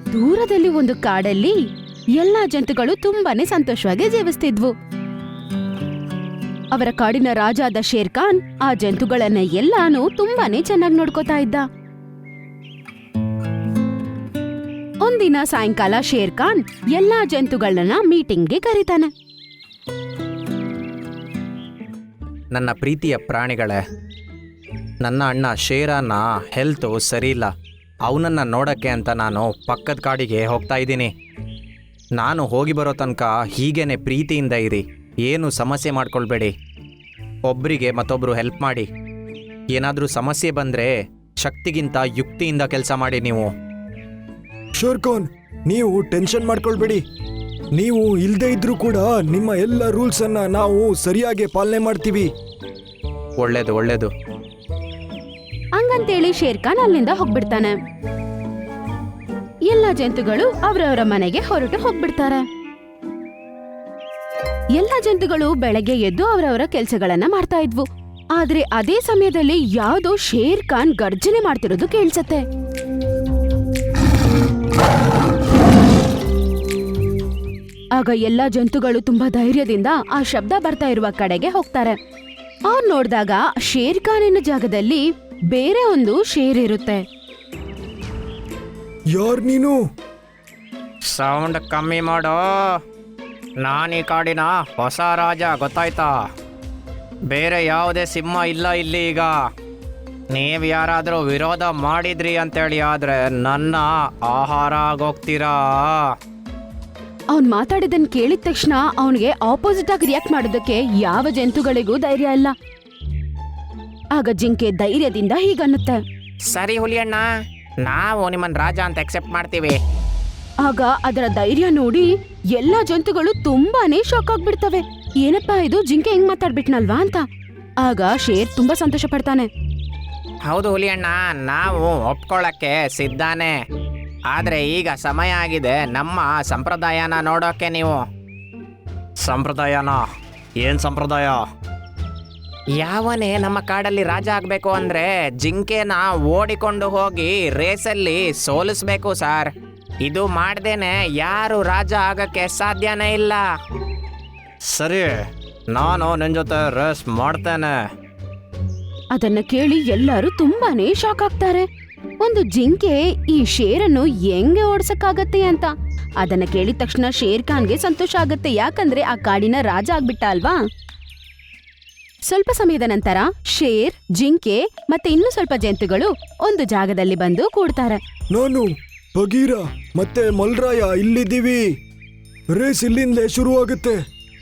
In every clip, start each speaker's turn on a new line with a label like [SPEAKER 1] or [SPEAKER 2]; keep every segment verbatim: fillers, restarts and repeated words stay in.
[SPEAKER 1] ದೂರದಲ್ಲಿ ಒಂದು ಕಾಡಲ್ಲಿ ಎಲ್ಲಾ ಜಂತುಗಳು ತುಂಬಾನೇ ಸಂತೋಷವಾಗಿ ಜೀವಿಸ್ತಿದ್ವು. ಅವರ ಕಾಡಿನ ರಾಜ ಆದ ಶೇರ್ ಖಾನ್ ಆ ಜಂತುಗಳನ್ನ ಎಲ್ಲಾನು ತುಂಬಾನೇ ಚೆನ್ನಾಗಿ ನೋಡ್ಕೋತಾ ಇದ್ದ. ಒಂದಿನ ಸಾಯಂಕಾಲ ಶೇರ್ ಖಾನ್ ಎಲ್ಲಾ ಜಂತುಗಳನ್ನ ಮೀಟಿಂಗ್ಗೆ ಕರೀತಾನೆ.
[SPEAKER 2] ನನ್ನ ಪ್ರೀತಿಯ ಪ್ರಾಣಿಗಳೇ, ನನ್ನ ಅಣ್ಣ ಶೇರನ ಹೆಲ್ತು ಸರಿಯಿಲ್ಲ. ಅವನನ್ನು ನೋಡೋಕ್ಕೆ ಅಂತ ನಾನು ಪಕ್ಕದ ಕಾಡಿಗೆ ಹೋಗ್ತಾ ಇದ್ದೀನಿ. ನಾನು ಹೋಗಿ ಬರೋ ತನಕ ಹೀಗೇನೆ ಪ್ರೀತಿಯಿಂದ ಇರಿ, ಏನು ಸಮಸ್ಯೆ ಮಾಡ್ಕೊಳ್ಬೇಡಿ. ಒಬ್ಬರಿಗೆ ಮತ್ತೊಬ್ಬರು ಹೆಲ್ಪ್ ಮಾಡಿ. ಏನಾದರೂ ಸಮಸ್ಯೆ ಬಂದರೆ ಶಕ್ತಿಗಿಂತ ಯುಕ್ತಿಯಿಂದ ಕೆಲಸ ಮಾಡಿ. ನೀವು
[SPEAKER 3] ಶೇರ್ ಖಾನ್, ನೀವು ಟೆನ್ಷನ್ ಮಾಡ್ಕೊಳ್ಬೇಡಿ. ನೀವು ಇಲ್ಲದೆ ಇದ್ರೂ ಕೂಡ ನಿಮ್ಮ ಎಲ್ಲ ರೂಲ್ಸನ್ನು ನಾವು ಸರಿಯಾಗಿ ಪಾಲನೆ ಮಾಡ್ತೀವಿ.
[SPEAKER 2] ಒಳ್ಳೇದು ಒಳ್ಳೇದು
[SPEAKER 1] ಹಂಗಂತೇಳಿ ಶೇರ್ ಖಾನ್ ಅಲ್ಲಿಂದ ಹೋಗ್ಬಿಡ್ತಾನೆ. ಎಲ್ಲ ಜಂತುಗಳು ಅವರವರ ಮನೆಗೆ ಹೊರಟು ಹೋಗ್ಬಿಡ್ತಾರೆ. ಎಲ್ಲ ಜಂತುಗಳು ಬೆಳಗ್ಗೆ ಎದ್ದು ಅವರವರ ಕೆಲಸಗಳನ್ನ ಮಾಡ್ತಾ ಇದ್ವು. ಆದ್ರೆ ಅದೇ ಸಮಯದಲ್ಲಿ ಯಾವ್ದೋ ಶೇರ್ ಖಾನ್ ಗರ್ಜನೆ ಮಾಡ್ತಿರೋದು ಕೇಳ್ಸತ್ತೆ. ಆಗ ಎಲ್ಲಾ ಜಂತುಗಳು ತುಂಬಾ ಧೈರ್ಯದಿಂದ ಆ ಶಬ್ದ ಬರ್ತಾ ಇರುವ ಕಡೆಗೆ ಹೋಗ್ತಾರೆ. ಅವ್ರು ನೋಡಿದಾಗ ಶೇರ್ ಖಾನಿನ ಜಾಗದಲ್ಲಿ ಬೇರೆ ಒಂದು ಶೇರ್ ಇರುತ್ತೆ.
[SPEAKER 3] ಯಾರ್ ನೀನು?
[SPEAKER 2] ಸೌಂಡ್ ಕಮ್ಮಿ ಮಾಡೋ. ನಾನು ಈ ಕಾಡಿನ ಹೊಸ ರಾಜ, ಗೊತ್ತಾಯ್ತಾ? ಬೇರೆ ಯಾವುದೇ ಸಿಂಹ ಇಲ್ಲ ಇಲ್ಲಿ. ಈಗ ನೀವು ಯಾರಾದರೂ ವಿರೋಧ ಮಾಡಿದ್ರಿ ಅಂತೇಳಿ ಆದರೆ ನನ್ನ ಆಹಾರ ಆಗೋಗ್ತೀರಾ.
[SPEAKER 1] ಅವ್ನ್ ಮಾತಾಡಿದನ್ ಕೇಳಿದ ತಕ್ಷಣ ಅವನಿಗೆ ಆಪೋಸಿಟ್ ಆಗಿ ರಿಯಾಕ್ಟ್ ಮಾಡೋದಕ್ಕೆ ಯಾವ ಜಂತುಗಳಿಗೂ ಧೈರ್ಯ ಇಲ್ಲ. ಆಗ ಜಿಂಕೆ ಧೈರ್ಯದಿಂದ ಹೀಗನ್ನುತ್ತೆ,
[SPEAKER 2] ಸರಿ ಹುಲಿಯಣ್ಣ, ನಾವು ನಿಮ್ಮನ್ನ ರಾಜ ಅಂತ ಅಕ್ಸೆಪ್ಟ್ ಮಾಡ್ತೀವಿ.
[SPEAKER 1] ಆಗ ಅದರ ಧೈರ್ಯ ನೋಡಿ ಎಲ್ಲಾ ಜಂತುಗಳು ತುಂಬಾನೇ ಶಾಕ್ ಆಗ್ಬಿಡ್ತವೆ. ಏನಪ್ಪಾ ಇದು, ಜಿಂಕೆ ಹೆಂಗ್ ಮಾತಾಡ್ಬಿಟ್ನಲ್ವಾ ಅಂತ. ಆಗ ಶೇರ್ ತುಂಬಾ ಸಂತೋಷ ಪಡ್ತಾನೆ.
[SPEAKER 2] ಹೌದು ಹುಲಿಯಣ್ಣ, ನಾವು ಒಪ್ಕೊಳ್ಳಕ್ಕೆ ಸಿದ್ಧಾನೆ. ಆದರೆ ಈಗ ಸಮಯ ಆಗಿದೆ ನಮ್ಮ ಸಂಪ್ರದಾಯನ ನೋಡೋಕೆ. ನೀವು ಸಂಪ್ರದಾಯನ? ಏನು ಸಂಪ್ರದಾಯ? ಯಾವನೇ ನಮ್ಮ ಕಾಡಲ್ಲಿ ರಾಜ ಆಗಬೇಕು ಅಂದರೆ ಜಿಂಕೆನ ಓಡಿಕೊಂಡು ಹೋಗಿ ರೇಸಲ್ಲಿ ಸೋಲಿಸ್ಬೇಕು ಸರ್. ಇದು ಮಾಡ್ದೇನೆ ಯಾರು ರಾಜ ಆಗಕ್ಕೆ ಸಾಧ್ಯನೇ ಇಲ್ಲ. ಸರಿ, ನಾನು ನಿನ್ನ ಜೊತೆ ರೇಸ್ ಮಾಡ್ತೇನೆ.
[SPEAKER 1] ಅದನ್ನ ಕೇಳಿ ಎಲ್ಲರೂ ತುಂಬಾನೇ ಶಾಕ್ ಆಗ್ತಾರೆ. ಒಂದು ಜಿಂಕೆ ಈ ಶೇರನ್ನು ಹೆಂಗೆ ಓಡ್ಸಕ್ಕಾಗತ್ತೆ ಅಂತ. ಅದನ್ನ ಕೇಳಿದ ತಕ್ಷಣ ಶೇರ್ ಖಾನ್ಗೆ ಸಂತೋಷ ಆಗತ್ತೆ, ಯಾಕಂದ್ರೆ ಆ ಕಾಡಿನ ರಾಜ ಆಗ್ಬಿಟ್ಟ ಅಲ್ವಾ. ಸ್ವಲ್ಪ ಸಮಯದ ನಂತರ ಶೇರ್, ಜಿಂಕೆ ಮತ್ತೆ ಇನ್ನೂ ಸ್ವಲ್ಪ ಜಂತುಗಳು ಒಂದು ಜಾಗದಲ್ಲಿ ಬಂದು ಕೂಡ್ತಾರೆ.
[SPEAKER 3] ನಾನು ಬಗೀರ ಮತ್ತೆ ಮಲ್ರಾಯ ಇಲ್ಲಿದ್ದೀವಿ. ರೇಸ್ ಇಲ್ಲಿಂದಲೇ ಶುರುವಾಗುತ್ತೆ.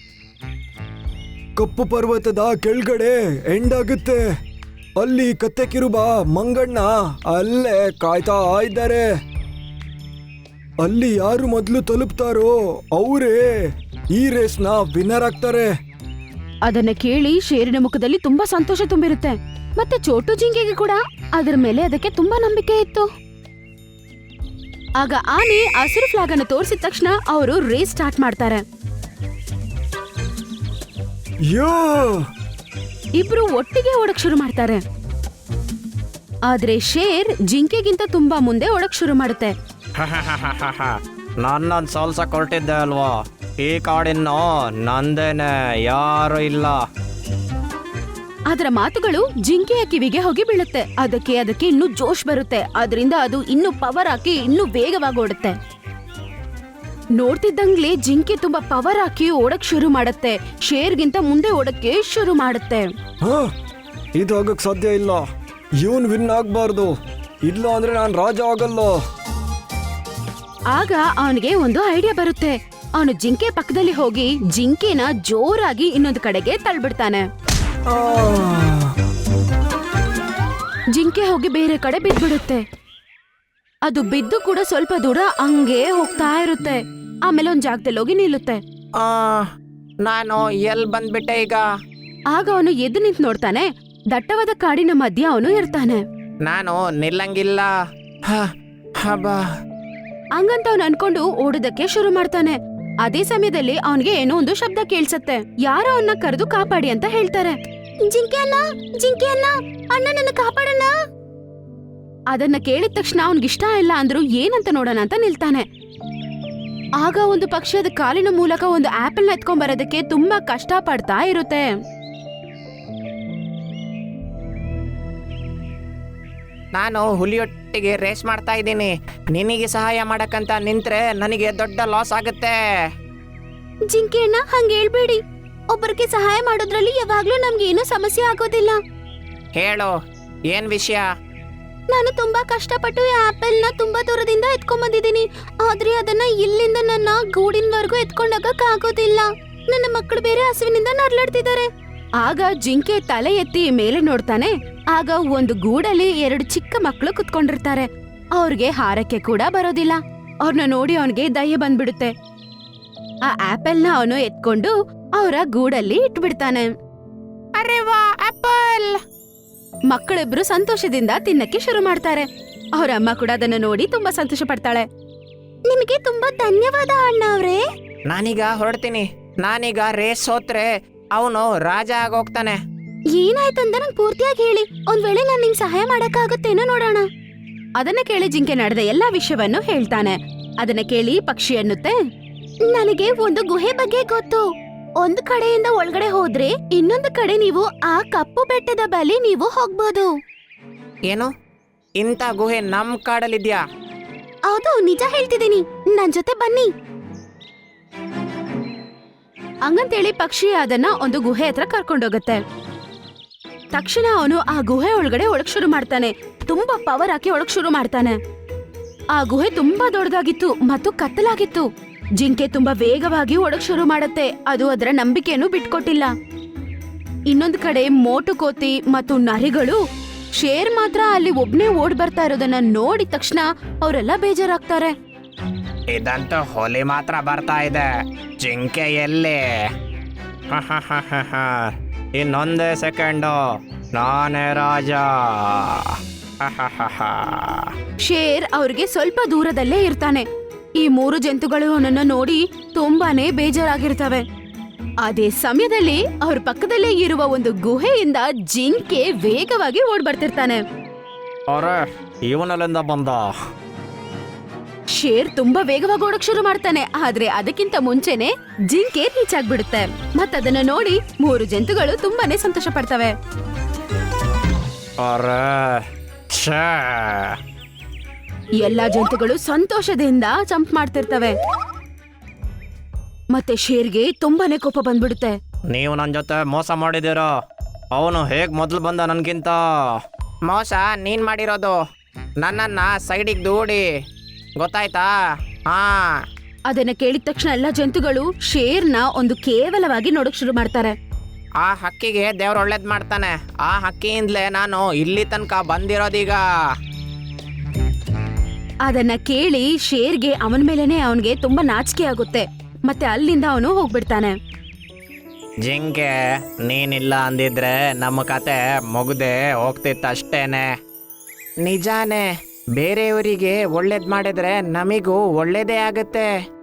[SPEAKER 3] ಕಪ್ಪು ಪರ್ವತದ ಕೆಳಗಡೆ ಎಂಡ್ ಆಗುತ್ತೆ. ಅಲ್ಲಿ ಕತ್ತೆ ಕಿರುಬ ಮಂಗಣ್ಣ ಅಲ್ಲೇ ಕಾಯ್ತಾ ಇದ್ದಾರೆ. ಅಲ್ಲಿ ಯಾರು ಮೊದಲು ತಲುಪ್ತಾರೋ ಅವರೇ ಈ ರೇಸ್ನ ವಿನ್ನರ್ ಆಗ್ತಾರೆ.
[SPEAKER 1] ಅದನ್ನ ಕೇಳಿ ಶೇರಿನ ಮುಖದಲ್ಲಿ ತುಂಬಾ ಸಂತೋಷ ತುಂಬಿರುತ್ತೆ. ಮತ್ತೆ ಚೋಟು ಜಿಂಕೆಗೆ ಕೂಡ ಅದರ ಮೇಲೆ ಅದಕ್ಕೆ ತುಂಬಾ ನಂಬಿಕೆ ಇತ್ತು. ಆಗ ಆನೆ ಹಸಿರು ಫ್ಲಾಗ್ ಅನ್ನು ತೋರಿಸಿದ ತಕ್ಷಣ ಅವರು ರೇಸ್ ಸ್ಟಾರ್ಟ್ ಮಾಡ್ತಾರೆ.
[SPEAKER 3] ಯೋ
[SPEAKER 1] ಇಬ್ರು ಒಟ್ಟಿಗೆ ಓಡಕ್ ಶುರು ಮಾಡ್ತಾರೆ. ಆದ್ರೆ ಶೇರ್ ಜಿಂಕೆಗಿಂತ ತುಂಬಾ ಮುಂದೆ ಓಡಕ್ ಶುರು ಮಾಡುತ್ತೆ.
[SPEAKER 2] ನನ್ನನ್ನು ಸೋಲ್ಸಕ್ ಹೊರಟಿದ್ದೆ ಅಲ್ವಾ? ಈ ಕಾಡಿನ ನಂದೇನೆ, ಯಾರು ಇಲ್ಲ.
[SPEAKER 1] ಅದರ ಮಾತುಗಳು ಜಿಂಕೆಯ ಕಿವಿಗೆ ಹೋಗಿ ಬೀಳುತ್ತೆ. ಅದಕ್ಕೆ ಅದಕ್ಕೆ ಇನ್ನೂ ಜೋಶ್ ಬರುತ್ತೆ. ಅದರಿಂದ ಅದು ಇನ್ನೂ ಪವರ್ ಹಾಕಿ ಇನ್ನೂ ವೇಗವಾಗಿ ಓಡುತ್ತೆ. ನೋಡ್ತಿದ್ದಂಗ್ಲೇ ಜಿಂಕೆ ತುಂಬಾ ಪವರ್ ಹಾಕಿ ಓಡಕ್ ಶುರು ಮಾಡುತ್ತೆ. ಶೇರ್ಗಿಂತ ಮುಂದೆ ಓಡಕ್ಕೆ ಶುರು ಮಾಡುತ್ತೆ.
[SPEAKER 3] ಹಾ, ಇದು ಆಗಕ್ ಸಾಧ್ಯ ಇಲ್ಲ. ಇವನ್ ವಿನ್ ಆಗ್ಬಾರ್ದು, ಇಲ್ಲ ಅಂದ್ರೆ ನಾನು ರಾಜ ಆಗಲ್ಲ.
[SPEAKER 1] ಆಗ ಅವನಿಗೆ ಒಂದು ಐಡಿಯಾ ಬರುತ್ತೆ. ಅವನು ಜಿಂಕೆ ಪಕ್ಕದಲ್ಲಿ ಹೋಗಿ ಜಿಂಕೆನ ಜೋರಾಗಿ ಇನ್ನೊಂದು ಕಡೆಗೆ ತಳ್ಬಿಡ್ತಾನೆ.
[SPEAKER 3] ಆ,
[SPEAKER 1] ಜಿಂಕೆ ಹೋಗಿ ಬೇರೆ ಕಡೆ ಬಿದ್ಬಿಡುತ್ತೆ. ಅದು ಬಿದ್ದು ಕೂಡ ಸ್ವಲ್ಪ ದೂರ ಹಂಗೆ ಹೋಗ್ತಾ ಇರುತ್ತೆ. ಆಮೇಲೆ ಒಂದ್ ಜಾಗದಲ್ಲಿ ಹೋಗಿ ನಿಲ್ಲುತ್ತೆ.
[SPEAKER 2] ಆ, ನಾನು ಎಲ್ಲಿ ಬಂದ್ಬಿಟ್ಟೆ ಈಗ?
[SPEAKER 1] ಆಗ ಅವನು ಎದ್ದು ನಿಂತು ನೋಡ್ತಾನೆ. ದಟ್ಟವಾದ ಕಾಡಿನ ಮಧ್ಯ ಅವನು ಇರ್ತಾನೆ.
[SPEAKER 2] ನಾನು ನಿಲ್ಲಂಗಿಲ್ಲ. ಹ, ಹಬ್ಬ.
[SPEAKER 1] ಹಂಗಂತ ಅವನು ಅನ್ಕೊಂಡು ಓಡೋದಕ್ಕೆ ಶುರು ಮಾಡ್ತಾನೆ. ಅದೇ ಸಮಯದಲ್ಲಿ ಅವನಿಗೆ ಏನೋ ಒಂದು ಶಬ್ದ ಕೇಳ್ಸತ್ತೆ. ಯಾರೋ ಅವನ್ನ ಕರೆದು ಕಾಪಾಡಿ ಅಂತ ಹೇಳ್ತಾರೆ. ಜಿಂಕೆ ಅಣ್ಣ, ಜಿಂಕೆ ಅಣ್ಣ, ಅಣ್ಣ ನನ್ನ ಕಾಪಾಡಣ್ಣ. ಅದನ್ನ ಕೇಳಿದ ತಕ್ಷಣ ಅವನ್ಗಿಷ್ಟ ಇಲ್ಲ ಅಂದ್ರು ಏನಂತ ನೋಡೋಣ ಅಂತ ನಿಲ್ತಾನೆ. ಆಗ ಒಂದು ಪಕ್ಷಿ ಅದ ಕಾಲಿನ ಮೂಲಕ ಒಂದು ಆಪಲ್ ಎತ್ಕೊಂಡ್ ಬರೋದಕ್ಕೆ ತುಂಬಾ ಕಷ್ಟ ಪಡ್ತಾ ಇರುತ್ತೆ.
[SPEAKER 2] ನಾನು ಹುಲಿಯೊಟ್ಟಿಗೆ ರೇಸ್ ಮಾಡ್ತಾ ಇದ್ದೀನಿ. ನಿನಗೆ ಸಹಾಯ ಮಾಡಕ್ಕಂತ ನಿಂತ್ರೆ ನನಗೆ ದೊಡ್ಡ ಲಾಸ್ ಆಗುತ್ತೆ.
[SPEAKER 1] ಜಿಂಕೆ ಅಣ್ಣ ಹಂಗ ಹೇಳ್ಬೇಡಿ. ಒಬ್ಬರಿಗೆ ಸಹಾಯ ಮಾಡೋದ್ರಲ್ಲಿ ಯಾವಾಗ್ಲೂ ನಮ್ಗೆ ಏನೂ ಸಮಸ್ಯೆ ಆಗೋದಿಲ್ಲ.
[SPEAKER 2] ಹೇಳು, ಏನ್ ವಿಷಯ?
[SPEAKER 1] ನಾನು ತುಂಬಾ ಕಷ್ಟಪಟ್ಟು ಈ ಆಪಲ್ ನ ತುಂಬಾ ದೂರದಿಂದ ಎತ್ಕೊಂಡ್ ಬಂದಿದ್ದೀನಿ. ಆದ್ರೆ ಅದನ್ನ ಇಲ್ಲಿಂದ ನನ್ನ ಗೂಡಿನವರೆಗೂ ಎತ್ಕೊಂಡೋಗಕ್ ಆಗೋದಿಲ್ಲ. ನನ್ನ ಮಕ್ಕಳು ಬೇರೆ ಹಸುವಿನಿಂದ ನರ್ಲಾಡ್ತಿದ್ದಾರೆ. ಆಗ ಜಿಂಕೆ ತಲೆ ಎತ್ತಿ ಮೇಲೆ ನೋಡ್ತಾನೆ. ಆಗ ಒಂದು ಗೂಡಲ್ಲಿ ಎರಡು ಚಿಕ್ಕ ಮಕ್ಕಳು ಕುತ್ಕೊಂಡಿರ್ತಾರೆ. ಅವ್ರಿಗೆ ಹಾರಕ್ಕೆ ಕೂಡ ಬರೋದಿಲ್ಲ. ಅವ್ರನ್ನ ನೋಡಿ ಅವನಿಗೆ ದಯೆ ಬಂದ್ಬಿಡುತ್ತೆ. ಆ ಆಪಲ್ ನ ಅವನು ಎತ್ಕೊಂಡು ಅವರ ಗೂಡಲ್ಲಿ ಇಟ್ಬಿಡ್ತಾನೆ.
[SPEAKER 2] ಅರೆ ವಾ, ಆಪಲ್!
[SPEAKER 1] ಮಕ್ಕಳಿಬ್ರು ಸಂತೋಷದಿಂದ ತಿನ್ನಕ್ಕೆ ಶುರು ಮಾಡ್ತಾರೆ. ಅವ್ರ ಅಮ್ಮ ಕೂಡ ಅದನ್ನ ನೋಡಿ ತುಂಬಾ ಸಂತೋಷ ಪಡ್ತಾಳೆ. ನಿಮಗೆ ತುಂಬಾ ಧನ್ಯವಾದ ಅಣ್ಣ ಅವ್ರೆ.
[SPEAKER 2] ನಾನೀಗ ಹೊರಡ್ತೀನಿ. ನಾನೀಗ ರೇಸ್ ಸೋತ್ರೆ ಅವನು ರಾಜ ಆಗೋಗ್ತಾನೆ.
[SPEAKER 1] ಏನಾಯ್ತಂತ ನಂಗೆ ಪೂರ್ತಿಯಾಗಿ ಹೇಳಿ. ಒಂದ್ ವೇಳೆ ನಾನ್ ನಿಂಗ್ ಸಹಾಯ ಮಾಡಕ್ಕಾಗುತ್ತೇನೋ ನೋಡೋಣ. ಅದನ್ನ ಕೇಳಿ ಜಿಂಕೆ ನಡೆದ ಎಲ್ಲಾ ವಿಷಯವನ್ನು ಹೇಳ್ತಾನೆ. ಅದನ್ನ ಕೇಳಿ ಪಕ್ಷಿ ಅನ್ನುತ್ತೆ, ನನಗೆ ಒಂದು ಗುಹೆ ಬಗ್ಗೆ ಗೊತ್ತು. ಒಂದ್ ಕಡೆಯಿಂದ ಒಳಗಡೆ ಹೋದ್ರೆ ಇನ್ನೊಂದು ಕಡೆ ನೀವು ಆ ಕಪ್ಪು ಬೆಟ್ಟದ ಬಳಿ ನೀವು ಹೋಗ್ಬೋದು.
[SPEAKER 2] ಏನು? ಇಂಥ ಗುಹೆ ನಮ್ ಕಾಡಲ್ಲಿದ್ಯಾ?
[SPEAKER 1] ಹೌದು, ನಿಜ ಹೇಳ್ತಿದ್ದೀನಿ. ನನ್ ಜೊತೆ ಬನ್ನಿ. ಹಂಗಂತೇಳಿ ಪಕ್ಷಿ ಅದನ್ನ ಒಂದು ಗುಹೆ ಹತ್ರ ಕರ್ಕೊಂಡೋಗತ್ತೆ. ತಕ್ಷಣ ಅವನು ಆ ಗುಹೆ ಒಳಗಡೆ ಒಳಗ್ ಶುರು ಮಾಡ್ತಾನೆ. ತುಂಬಾ ಪವರ್ ಹಾಕಿ ಒಳಗ್ ಶುರು ಮಾಡ್ತಾನೆ. ಆ ಗುಹೆ ತುಂಬಾ ದೊಡ್ಡದಾಗಿತ್ತು ಮತ್ತು ಕತ್ತಲಾಗಿತ್ತು. ಜಿಂಕೆ ತುಂಬಾ ವೇಗವಾಗಿ ಒಳಗ್ ಶುರು ಮಾಡತ್ತೆ. ಅದು ಅದರ ನಂಬಿಕೆಯನ್ನು ಬಿಟ್ಕೊಟ್ಟಿಲ್ಲ. ಇನ್ನೊಂದು ಕಡೆ ಮೋಟು ಕೋತಿ ಮತ್ತು ನರಿಗಳು, ಶೇರ್ ಮಾತ್ರ ಅಲ್ಲಿ ಒಬ್ನೇ ಓಡ್ ಬರ್ತಾ ಇರೋದನ್ನ ನೋಡಿದ ತಕ್ಷಣ ಅವರೆಲ್ಲ ಬೇಜಾರಾಗ್ತಾರೆ.
[SPEAKER 2] ಇದಂತೂ ಹುಲಿ ಮಾತ್ರ ಬರ್ತಾ ಇದೆ. ಜಿಂಕೆ ಎಲ್ಲಿ? ಇನ್ನೊಂದೇ ಸೆಕೆಂಡು, ನಾನೇ ರಾಜ.
[SPEAKER 1] ಶೇರ್ ಅವ್ರಿಗೆ ಸ್ವಲ್ಪ ದೂರದಲ್ಲೇ ಇರ್ತಾನೆ. ಈ ಮೂರು ಜಂತುಗಳು ಅವನನ್ನ ನೋಡಿ ತುಂಬಾನೇ ಬೇಜಾರಾಗಿರ್ತವೆ. ಅದೇ ಸಮಯದಲ್ಲಿ ಅವ್ರ ಪಕ್ಕದಲ್ಲೇ ಇರುವ ಒಂದು ಗುಹೆಯಿಂದ ಜಿಂಕೆ ವೇಗವಾಗಿ ಓಡ್ ಬರ್ತಿರ್ತಾನೆ.
[SPEAKER 2] ಅರೆ, ಇವನಲ್ಲಿಂದ ಬಂದ?
[SPEAKER 1] ಶೇರ್ ತುಂಬಾ ವೇಗವಾಗಿ ಓಡಕ್ ಶುರು ಮಾಡ್ತಾನೆ. ಆದ್ರೆ ಅದಕ್ಕಿಂತ ಮುಂಚೆನೆ ಜಿಂಕೆ ರೀಚ್ ಆಗ್ಬಿಡುತ್ತೆ. ಮತ್ತದನ್ನ ನೋಡಿ ಮೂರು ಜಂತುಗಳು ತುಂಬಾನೇ ಸಂತೋಷ ಪಡ್ತವೆ.
[SPEAKER 2] ಅರೆ, ಛೇ!
[SPEAKER 1] ಎಲ್ಲಾ ಜಂತುಗಳು ಸಂತೋಷದಿಂದ ಜಂಪ್ ಮಾಡ್ತಿರ್ತವೆ. ಮತ್ತೆ ಶೇರ್ಗೆ ತುಂಬಾನೇ ಕೋಪ ಬಂದ್ಬಿಡುತ್ತೆ.
[SPEAKER 2] ನೀವು ನನ್ನ ಜೊತೆ ಮೋಸ ಮಾಡಿದಿರೋ. ಅವನು ಹೇಗ್ ಮೊದಲು ಬಂದ ನನ್ಗಿಂತ. ಮೋಸ ನೀನ್ ಮಾಡಿರೋದು. ನನ್ನನ್ನ ಸೈಡಿಗೆ ದೂಡಿ, ಗೊತ್ತಾಯ್ತಾ? ಹಾ.
[SPEAKER 1] ಅದನ್ನ ಕೇಳಿದ ತಕ್ಷಣ ಎಲ್ಲಾ ಜಂತುಗಳು ಶೇರ್ನ ಒಂದು ಕೇವಲವಾಗಿ ನೋಡಕ್ ಶುರು ಮಾಡ್ತಾರೆ.
[SPEAKER 2] ಆ ಹಕ್ಕಿಗೆ ದೇವ್ರು ಒಳ್ಳೇದ್ ಮಾಡ್ತಾನೆ. ಆ ಹಕ್ಕಿಯಿಂದಲೇ ನಾನು ಇಲ್ಲಿ ತನಕ ಬಂದಿರೋದೀಗ.
[SPEAKER 1] ಅದನ್ನ ಕೇಳಿ ಶೇರ್ಗೆ ಅವನ ಮೇಲೆನೆ ಅವನ್ಗೆ ತುಂಬಾ ನಾಚಿಕೆ ಆಗುತ್ತೆ. ಮತ್ತೆ ಅಲ್ಲಿಂದ ಅವನು ಹೋಗ್ಬಿಡ್ತಾನೆ.
[SPEAKER 2] ಜಿಂಕೆ, ನೀನಿಲ್ಲ ಅಂದಿದ್ರೆ ನಮ್ಮ ಕತೆ ಮುಗ್ದೆ ಹೋಗ್ತಿತ್ತಷ್ಟೇನೆ. ನಿಜಾನೇ, ಬೇರೆಯವರಿಗೆ ಒಳ್ಳೇದ್ ಮಾಡಿದ್ರೆ ನಮಿಗೂ ಒಳ್ಳೇದೇ ಆಗುತ್ತೆ.